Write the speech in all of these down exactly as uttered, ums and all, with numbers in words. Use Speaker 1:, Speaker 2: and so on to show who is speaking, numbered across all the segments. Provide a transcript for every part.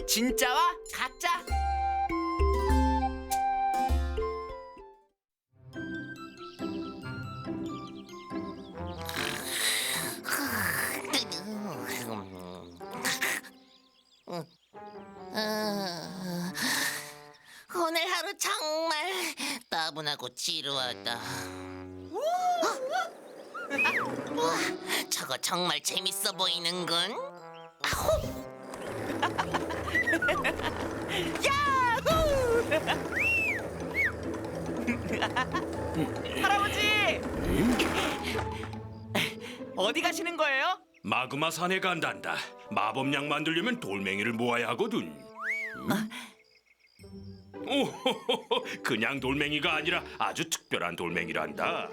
Speaker 1: 진짜와 가짜.
Speaker 2: 아, 오늘 하루 정말 따분하고 지루하다. 우와, 저거 정말 재밌어 보이는군. 아호!
Speaker 1: 야후! 할아버지! 어디 가시는 거예요?
Speaker 3: 마그마 산에 간단다. 마법약 만들려면 돌멩이를 모아야 하거든. 오호호호, 그냥 돌멩이가 아니라 아주 특별한 돌멩이란다.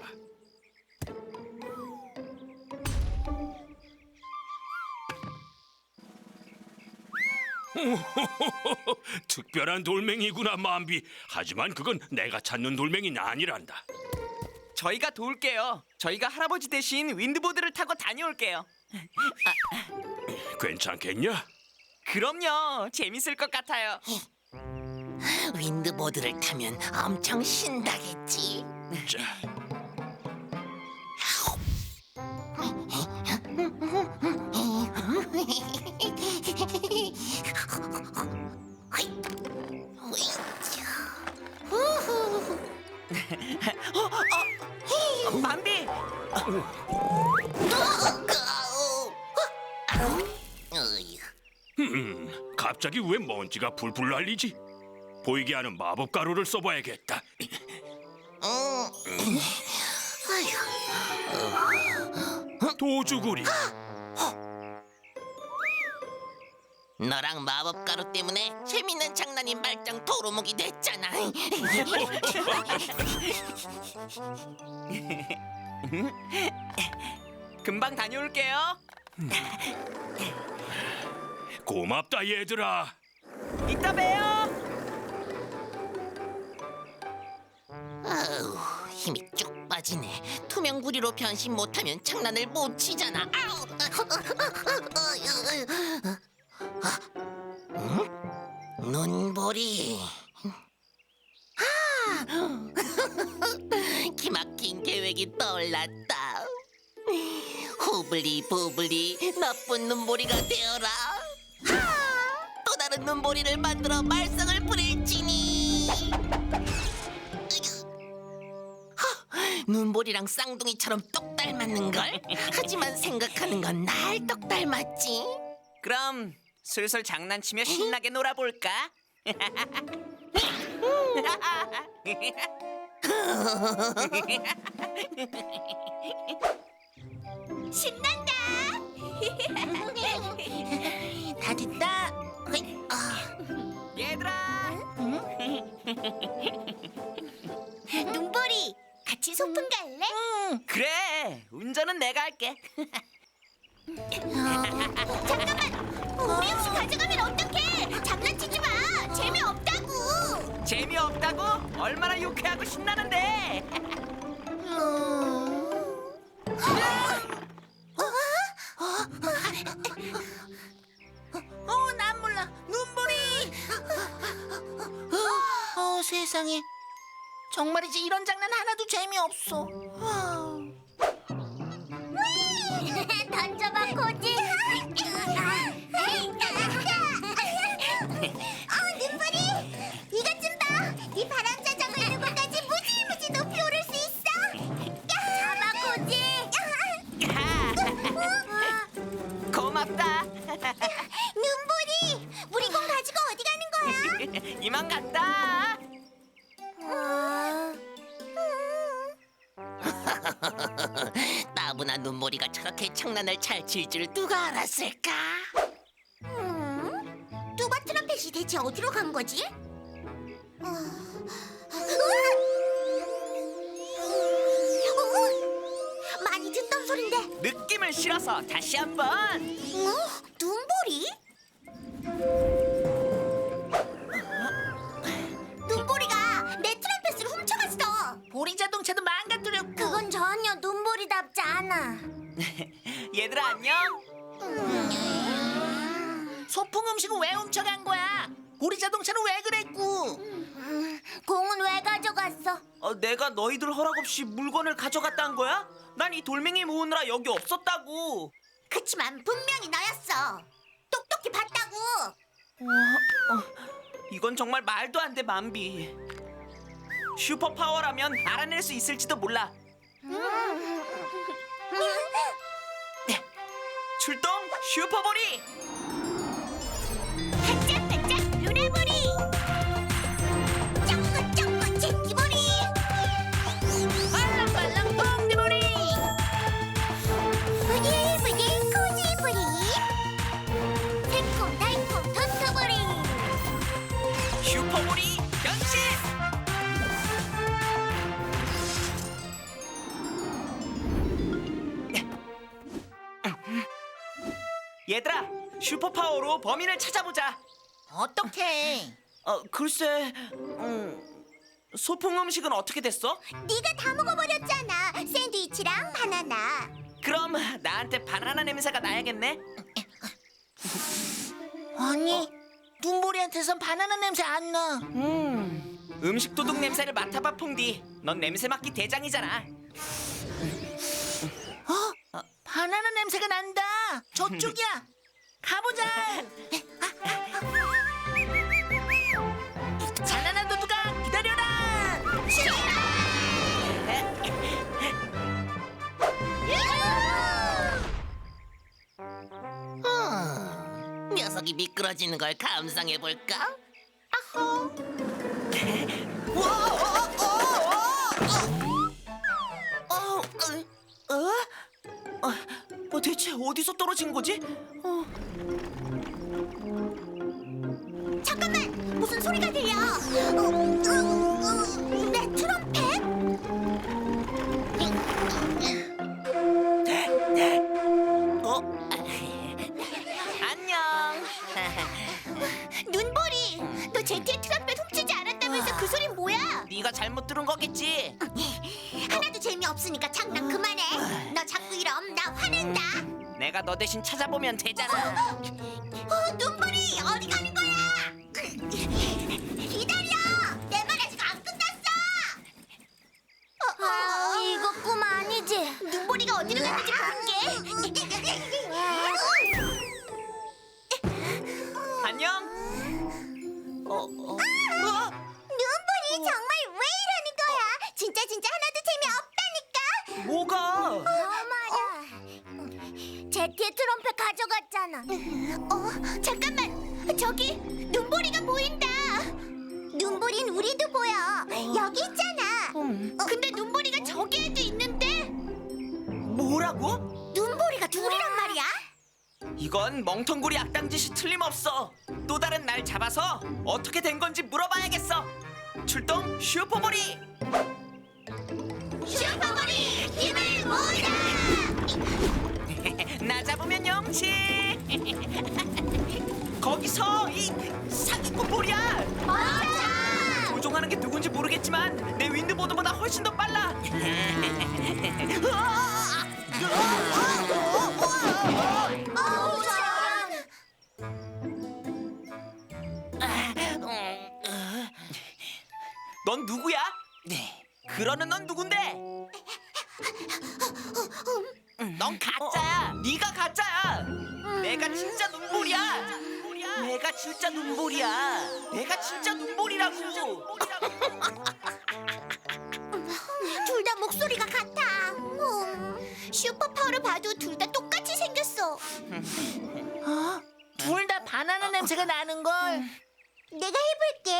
Speaker 3: 오호호호, 특별한 돌멩이구나, 만비. 하지만 그건 내가 찾는 돌멩이는 아니란다.
Speaker 1: 저희가 도울게요. 저희가 할아버지 대신 윈드보드를 타고 다녀올게요.
Speaker 3: 괜찮겠냐?
Speaker 1: 그럼요. 재밌을 것 같아요.
Speaker 2: 윈드보드를 타면 엄청 신나겠지.
Speaker 3: 자,
Speaker 1: 만비!
Speaker 3: 음, 갑자기 왜 먼지가 풀풀 날리지? 보이게 하는 마법 가루를 써봐야겠다. 도주구리.
Speaker 2: 너랑 마법 가루 때문에 재밌는 장난이 말짱 도루묵이 됐잖아.
Speaker 1: 금방 다녀올게요.
Speaker 3: 고맙다 얘들아.
Speaker 1: 이따 봬요.
Speaker 2: 아우, 힘이 쭉 빠지네. 투명 구리로 변신 못하면 장난을 못 치잖아. 아우. 응? 눈보리. 아! 기막힌 계획이 떠올랐다. 후블리 부블리 나쁜 눈보리가 되어라. 아! 또 다른 눈보리를 만들어 말썽을 부릴지니. 눈보리랑 쌍둥이처럼 똑 닮았는걸? 하지만 생각하는 건 날 똑 닮았지.
Speaker 1: 그럼 슬슬 장난치며 신나게 놀아볼까?
Speaker 2: 신난다. 다 됐다. 어이, 아.
Speaker 1: 얘들아!
Speaker 2: 눈보리, 같이 소풍 갈래?
Speaker 1: 그래, 운전은 내가 할게.
Speaker 2: 잠깐만, 우리 혹시 가져가면 어떡해? 장난치지 마. 재미없다고.
Speaker 1: 재미없다고? 얼마나 유쾌하고 신나는데!
Speaker 2: 어, 난 몰라. 눈보리. 어, 어, 세상에. 정말이지 이런 장난 하나도 재미없어. 던져봐, 코지. 어, 눈보리. 이것 좀 봐. 네 바람 자전거 있는 곳까지 무지무지 높이 오를 수 있어. 잡아, 코지.
Speaker 1: 고맙다.
Speaker 2: 눈보리, 우리 공 가지고 어디 가는 거야?
Speaker 1: 이만 간다.
Speaker 2: 따분한 눈보리가 저렇게 장난을 잘 칠 줄 누가 알았을까? 음, 뚜바 트럼펫이 대체 어디로 간 거지? 어, 어, 많이 듣던 소린데.
Speaker 1: 느낌을 실어서 다시 한번.
Speaker 2: 어? 눈보리? 눈보리가 내 트럼펫을 훔쳐갔어. 보리 자동차도 망가뜨렸고. 그건 전혀 눈보리답지 않아.
Speaker 1: 얘들아 안녕.
Speaker 2: 소풍은
Speaker 4: 음식은 왜 훔쳐간 거야? 보리 자동차는 왜 그랬고?
Speaker 2: 음, 공은 왜 가져갔어?
Speaker 1: 어, 내가 너희들 허락 없이 물건을 가져갔다는 거야? 난 이 돌멩이 모으느라 여기 없었다고.
Speaker 2: 그치만 분명히 너였어. 똑똑히 봤다고.
Speaker 1: 이건 정말 말도 안 돼, 만비. 슈퍼 파워라면 알아낼 수 있을지도 몰라. 출동 슈퍼보리!
Speaker 2: 반짝반짝 루나보리. 쫑긋쫑긋 제끼보리.
Speaker 4: 빨랑빨랑 뽕디보리.
Speaker 2: 부들부들 코지보리. 새콤달콤 토토보리.
Speaker 1: 슈퍼보리 변신! 얘들아, 슈퍼 파워로 범인을 찾아보자.
Speaker 4: 어떡해?
Speaker 1: 어, 글쎄, 음, 소풍 음식은 어떻게 됐어?
Speaker 2: 네가 다 먹어버렸잖아. 샌드위치랑 바나나.
Speaker 1: 그럼 나한테 바나나 냄새가 나야겠네.
Speaker 4: 아니, 눈보리한테선 바나나 냄새 안 나.
Speaker 1: 음, 음식 도둑 냄새를 맡아봐, 퐁디. 넌 냄새 맡기 대장이잖아.
Speaker 4: 어? 바나나 냄새가 난다. 저쪽이야. 가보자. 바나나 도둑아, 기다려라. 음, 녀석이 미끄러지는 걸 감상해 볼까? 아호.
Speaker 1: 어, 어, 어? 어, 어, 대체 어디서 떨어진 거지? 어,
Speaker 2: 잠깐만, 무슨 소리가 들려? 어, 어, 어, 내 트럼펫?
Speaker 1: 어? 안녕.
Speaker 2: 눈보리, 너 제티의 트럼펫 훔치지 않았다면서 그 소린 뭐야?
Speaker 1: 네가 잘못 들은 거겠지.
Speaker 2: 하나도 재미없으니까 장난 그만해. 너 자꾸 이럼 나 화낸다.
Speaker 1: 내가 너 대신 찾아보면 되잖아.
Speaker 2: 어, 눈보리 어디 가는 거야? 기다려, 내 말 아직 안 끝났어. 어, 어, 이거 꿈 아니지? 눈보리가 어디로 갔는지 볼게.
Speaker 1: 안녕. 어, 어. 어?
Speaker 2: 눈보리 정말 왜 이러는 거야? 진짜 진짜 하나도 재미없다니까.
Speaker 1: 뭐가?
Speaker 2: 어, 맞아. 제티의 트럼펫 가져갔잖아. 어, 잠깐만. 저기 눈보리가 보인다. 눈보리는 우리도 보여. 여기 있잖아. 어, 근데 눈보리가 저기에도 있는데
Speaker 1: 뭐라고?
Speaker 2: 눈보리가 둘이란 말이야?
Speaker 1: 이건 멍텅구리 악당짓이 틀림없어. 또 다른 날 잡아서 어떻게 된 건지 물어봐야겠어. 출동 슈퍼보리!
Speaker 2: 슈퍼보리 힘을 모으자.
Speaker 1: 나 잡으면 영치. 거기서 이 사기꾼 볼이야.
Speaker 2: 맞아.
Speaker 1: 조종하는 게 누군지 모르겠지만 내 윈드보드보다 훨씬 더 빨라.
Speaker 2: 어우, 저런.
Speaker 1: 넌 누구야? 네. 그러는 넌 누군데? 넌 가짜야. 네가 가짜야. 내가 진짜 눈보리야. 내가 진짜 눈보리야. 내가 진짜 눈보리라고.
Speaker 2: 둘 다 목소리가 같아. 음, 슈퍼파워를 봐도 둘 다 똑같이 생겼어.
Speaker 4: 어? 둘 다 바나나 냄새가 나는 걸.
Speaker 2: 내가 해볼게.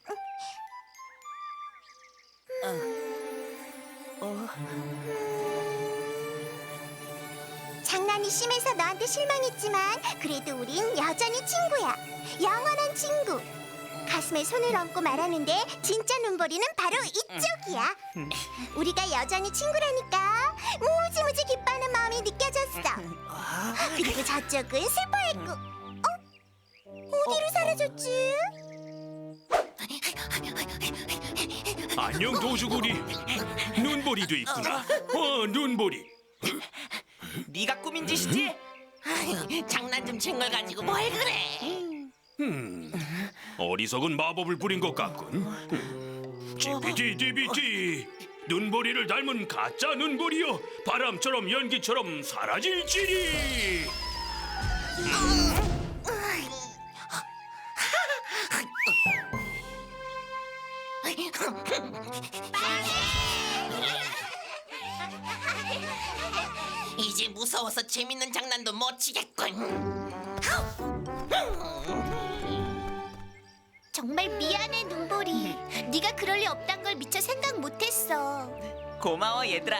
Speaker 2: 장난이 심해서 너한테 실망했지만 그래도 우린 여전히 친구야. 영원한 친구. 가슴에 손을 얹고 말하는데 진짜 눈보리는 바로 이쪽이야. 우리가 여전히 친구라니까 무지무지 기뻐하는 마음이 느껴졌어. 그리고 저쪽은 슬퍼했고. 어? 어디로 사라졌지?
Speaker 3: 안녕 도주구리. 눈보리도 있구나. 어 눈보리.
Speaker 1: 네가 꾸민 짓이지?
Speaker 4: 장난 좀 친 걸 가지고 뭘 그래?
Speaker 3: 어리석은 마법을 부린 것 같군. 지피디디비디 눈보리를 닮은 가짜 눈보리여 바람처럼 연기처럼 사라질지니.
Speaker 5: 이제 무서워서 재밌는 장난도 못 치겠군.
Speaker 2: 정말 미안해 눈보리. 네가 그럴 리 없단 걸 미처 생각 못했어.
Speaker 1: 고마워 얘들아.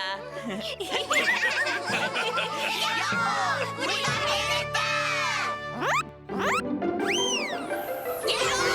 Speaker 2: 우리가 해냈다.